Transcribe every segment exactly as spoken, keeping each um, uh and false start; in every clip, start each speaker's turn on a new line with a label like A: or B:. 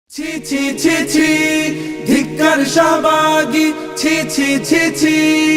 A: ছি ছি ছি ছি ধিক্কার শাহবাগী, ছি ছি ছি ছি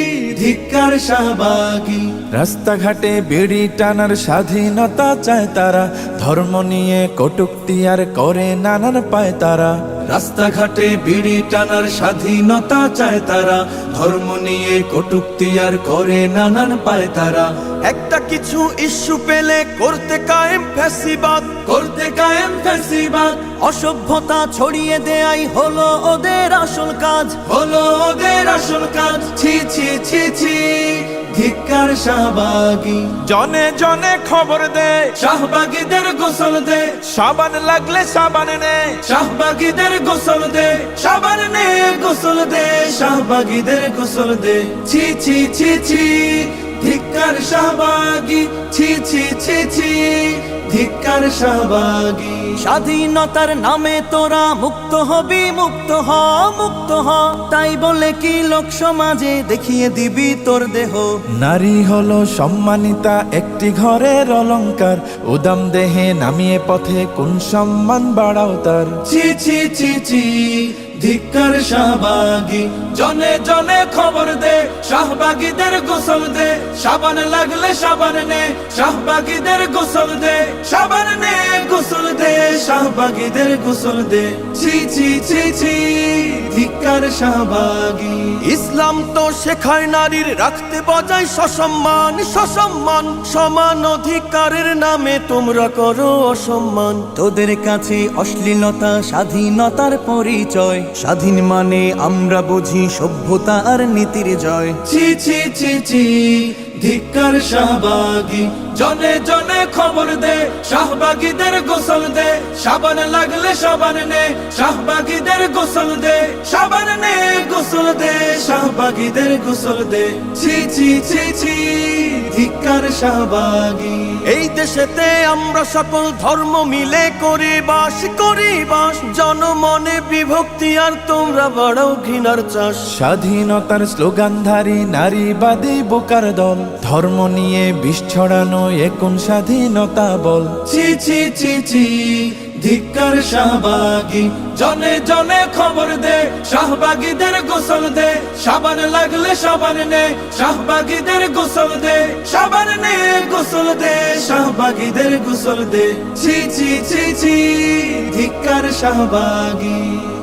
A: ধিক্কার শাহবাগী।
B: রাস্তাঘাটে বিড়ি টানার স্বাধীনতা চায় তারা, ধর্ম নিয়ে কটূক্তি আর করে নানান পায় তারা।
A: রাস্তাঘাটে বিড়ি টানার স্বাধীনতা চায় তারা, ধর্ম নিয়ে কটূক্তি আর করে নানান পায় তারা।
C: একটা কিছু ইস্যু পেলে করতে কায়েম ফ্যাসিবাদ,
A: করতে কায়েম ফ্যাসিবাদ।
C: অসভ্যতা ছড়িয়ে দেয়াই হলো ওদের আসল কাজ,
A: হলো ওদের আসল কাজ। ছি ছি ছি ছি ধিক্কার শাহবাগী।
B: জনে জনে খবর দে,
A: শাহবাগীদের গোসল দে,
B: সাবান লাগলে সাবান নে।
A: শাহবাগীদের গোসল দে, সাবান নে গোসল দে, শাহবাগীদের গোসল দে। ছি ছি ছি ছি ধিক্কার শাহবাগী, ছি ছি ছি ছি ধিক্কার শাহবাগী।
C: স্বাধীনতার নামে তোরা মুক্ত হবি, মুক্ত হ মুক্ত হ, তাই বলে কি লোক সমাজে দেখিয়ে দিবি তোর দেহ।
B: নারী হলো সম্মানিতা একটি ঘরের অলংকার, উদাম দেহে নামিয়ে পথে কোন সম্মান বাড়াও তার।
A: ছি ছি ছি ছি ধিক্কার শাহবাগী। জনে জনে খবর দে, শাহবাগীদের গোসল দে, সাবান লাগলে সাবান নে, শাহবাগীদের গোসল দে, সাবান নে গোসল দে, শাহবাগীদের গোসল দে। ছি ছি ছি ছি ধিক্কার শাহবাগী।
C: ইসলাম তো শেখায় নারীর রাখতে বজায় সসম্মান, সসম্মান। সমান অধিকারের নামে তোমরা করো অসম্মান। তোদের কাছে অশ্লীলতা স্বাধীনতার পরিচয়, স্বাধীন মানে আমরা বুঝি সভ্যতা আর নীতির জয়।
A: ছি ছি ছি ছি ধিক্কার শাহবাগী। জনে জনে খবর দে, শাহবাগীদের গোসল দে, সাবান লাগলে সাবান নে, শাহবাগীদের গোসল দে, সাবান নে গোসল দে, শাহবাগীদের গোসল দে। ছি ছি ছি ছি ধিক্কার শাহবাগী।
C: এই দেশেতে আমরা সকল ধর্ম মিলে করি বাস, করি বাস। জনমনে বিভক্তি আর তোমরা বাড়াও ঘৃণার চাষ।
B: স্বাধীনতার স্লোগানধারী নারীবাদী বোকার দল, ধর্ম নিয়ে বিষ ছড়ানো এ কোন স্বাধীনতা বল।
A: ছি ছি ছি ছি ধিক্কার শাহবাগী। জনে জনে খবর দে, শাহবাগীদের গোসল দে, সাবান লাগলে সাবান নে, শাহবাগীদের গোসল দে, সাবান নে গোসল দে, শাহবাগীদের গোসল দে। ছি ছি ছি ছি ধিক্কার শাহবাগী।